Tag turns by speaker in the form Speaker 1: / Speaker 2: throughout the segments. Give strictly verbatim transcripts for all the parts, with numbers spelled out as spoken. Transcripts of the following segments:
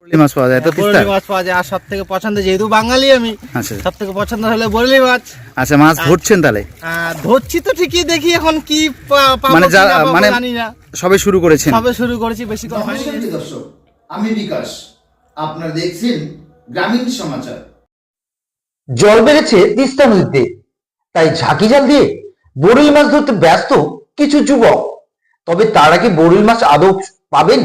Speaker 1: বরলি মাছ পাওয়া যায় তো তিস্তার?
Speaker 2: বরলি মাছ পাওয়া যায়, আর সব থেকে পছন্দ, যেহেতু বাঙালি আমি,
Speaker 1: আচ্ছা
Speaker 2: সব থেকে পছন্দ হলো বরলি মাছ।
Speaker 1: আচ্ছা, মাছ ধরছেন তাহলে?
Speaker 2: আহ, ধরছি তো ঠিকই, দেখি এখন কি পা- পাবো
Speaker 1: মানে
Speaker 2: কি
Speaker 1: যা-
Speaker 2: না পাবো
Speaker 1: মানে
Speaker 2: জানি না।
Speaker 1: সবে শুরু করেছেন?
Speaker 2: সবে শুরু করেছি, বেশি কম হয়নি।
Speaker 3: নমস্কার দর্শক, আমি বিকাশ, আপনারা দেখছেন গ্রামীণ সমাচার।
Speaker 4: জল বেড়েছে তিস্তা নদীতে, তাই ঝাঁকি জাল দিয়ে বরুল মাছ ধরতে ব্যস্ত কিছু যুবক। তবে তারা কি বরুল মাছ আদৌ পাবেন?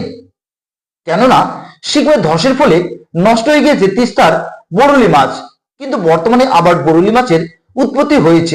Speaker 4: কেননা শীঘ্রই ধসের ফলে নষ্ট হয়ে গিয়েছে তিস্তার বরুলি মাছ, কিন্তু বর্তমানে আবার বরুলি মাছের উৎপত্তি হয়েছে,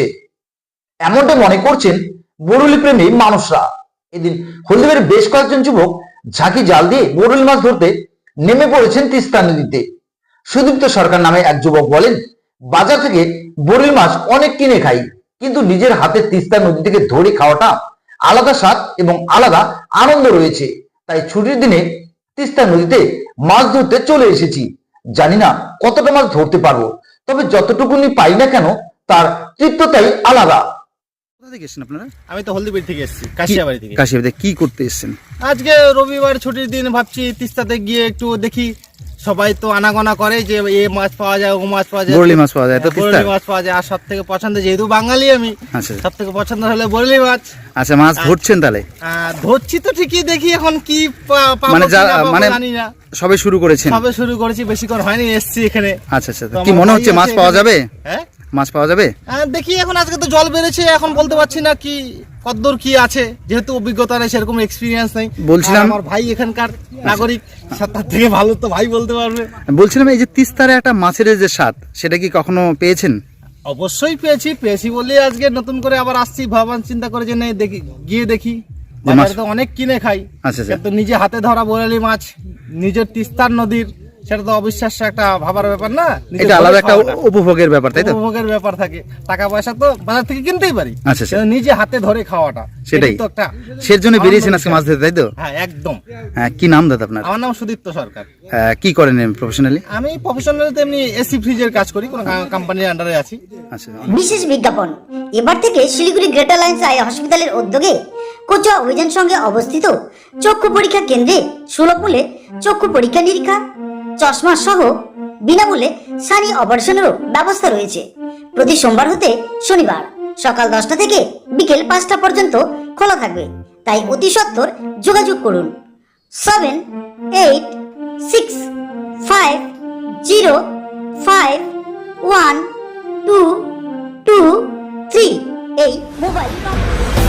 Speaker 4: এমনটা মনে করছেন বরুলি প্রেমী মানুষরা। এদিন হলদিবাড়ির বেশ কয়েকজন যুবক ঝাঁকি জাল দিয়ে বরুলি মাছ ধরতে নেমে পড়েছেন তিস্তা নদীতে। সুদীপ্ত সরকার নামে এক যুবক বলেন, বাজার থেকে বরুলি মাছ অনেক কিনে খাই, কিন্তু নিজের হাতে তিস্তা নদী থেকে ধরে খাওয়াটা আলাদা স্বাদ এবং আলাদা আনন্দ রয়েছে। তাই ছুটির দিনে তিস্তা নদীতে মাছ ধরতে চলে এসেছি। জানি না কতটা মাছ ধরতে পারবো, তবে যতটুকুনি পাই না কেন তার তৃপ্ততাই আলাদা।
Speaker 1: কোথা থেকে এসেছেন আপনারা?
Speaker 2: আমি তো হলদিবাড়ি থেকে এসেছি, কাশিয়াবাড়ি থেকে।
Speaker 1: কাশিয়াবাড়িতে কি করতে এসেছেন?
Speaker 2: আজকে রবিবার ছুটির দিন, ভাবছি তিস্তাতে গিয়ে একটু দেখি। সবাই তো আনাগোনা করে যে এ মাছ পাওয়া যায়, ও মাছ পাওয়া যায়,
Speaker 1: বরলি মাছ পাওয়া যায় তো তিস্তার?
Speaker 2: বরলি মাছ পাওয়া যায়, আর সব থেকে পছন্দ, যেহেতু বাঙালি আমি,
Speaker 1: আচ্ছা
Speaker 2: সব থেকে পছন্দ হলো বরলি মাছ।
Speaker 1: আচ্ছা, মাছ ধরছেন তাহলে?
Speaker 2: আহ, ধরছি তো ঠিকই, দেখি এখন কি পা- পাবো
Speaker 1: মানে
Speaker 2: কি
Speaker 1: যা-
Speaker 2: না পাবো
Speaker 1: মানে
Speaker 2: জানি না।
Speaker 1: সবে শুরু করেছেন?
Speaker 2: সবে শুরু করেছি, বেশি করে হয়নি, এসছি এখানে।
Speaker 1: আচ্ছা আচ্ছা,
Speaker 2: তো
Speaker 1: কি
Speaker 2: আমার
Speaker 1: মনে
Speaker 2: ভাই
Speaker 1: হচ্ছে মাছ
Speaker 2: আছে
Speaker 1: পাওয়া
Speaker 2: এখানে।
Speaker 1: যাবে?
Speaker 2: হ্যাঁ,
Speaker 1: মাছ পাওয়া যাবে?
Speaker 2: আহ, দেখি এখন, আজকে তো জল বেড়েছে, এখন বলতে পারছি না কি কতদূর কি আছে, যেহেতু অভিজ্ঞতা নেই, সেরকম এক্সপিরিয়েন্স নেই।
Speaker 1: বলছিলাম-
Speaker 2: আর আমার ভাই এখানকার নাগরিক, তার থেকে ভালো তো ভাই বলতে পারবে।
Speaker 1: বলছিলাম, এই যে তিস্তারে একটা মাছের যে স্বাদ, সেটা কি কখনো পেয়েছেন?
Speaker 2: অবশ্যই পেয়েছি, পেয়েছি বলে আজকে নতুন করে আবার আসছি, ভাবনা চিন্তা করে যে নেই দেখি, গিয়ে দেখি।
Speaker 1: যে মাছ-
Speaker 2: বাজারে তো অনেক কিনে খাই,
Speaker 1: আচ্ছা আচ্ছা,
Speaker 2: কিন্তু নিজে হাতে ধরা বরালি মাছ, নিজের তিস্তার নদীর, সেটা তো অবিশ্বাস্য একটা ভাবার ব্যাপার না। নিজে
Speaker 1: এটা
Speaker 2: ধরে
Speaker 1: আলাদা একটা
Speaker 2: খাওয়াটা।
Speaker 1: উপভোগের ব্যাপার, তাই তো?
Speaker 2: উপভোগের ব্যাপার থাকে, টাকা পয়সা তো বাজার থেকে কিনতেই পারি,
Speaker 1: আচ্ছা, আচ্ছা।
Speaker 2: কিন্তু নিজে হাতে ধরে খাওয়াটা,
Speaker 1: সেটাই।
Speaker 2: এটাই তো একটা
Speaker 1: সের জন্য বেরিয়েছেন
Speaker 2: আনন্দ
Speaker 1: আজকে মাছ ধরতে, তাই তো?
Speaker 2: হ্যাঁ, একদম।
Speaker 1: হ্যাঁ, কি নাম দাদা আপনার?
Speaker 2: আমার নাম সুদীপ্ত সরকার।
Speaker 1: হ্যাঁ, কি করেন প্রফেশনালি?
Speaker 2: আমি প্রফেশনাল এমনি এসি ফ্রিজের কাজ করি, কোনো কোম্পানির আন্ডারে আছি।
Speaker 1: আচ্ছা,
Speaker 5: বিশেষ বিজ্ঞাপন। এবার থেকে শিলিগুড়ি গ্রেটার লাইন্স আই হসপিটালের উদ্যোগে কোচুয়া অভিযান সঙ্গে অবস্থিত চক্ষু পরীক্ষা কেন্দ্রে সুলভ মূল্যে চক্ষু পরীক্ষা নিরীক্ষা, চশমা সহ বিনামূল্যে সানি অপারেশনেরও ব্যবস্থা রয়েছে। প্রতি সোমবার হতে শনিবার সকাল দশটা থেকে বিকেল পাঁচটা পর্যন্ত খোলা থাকবে, তাই অতি সত্বর যোগাযোগ করুন seven eight six five zero five one two two three এই মোবাইল নম্বর।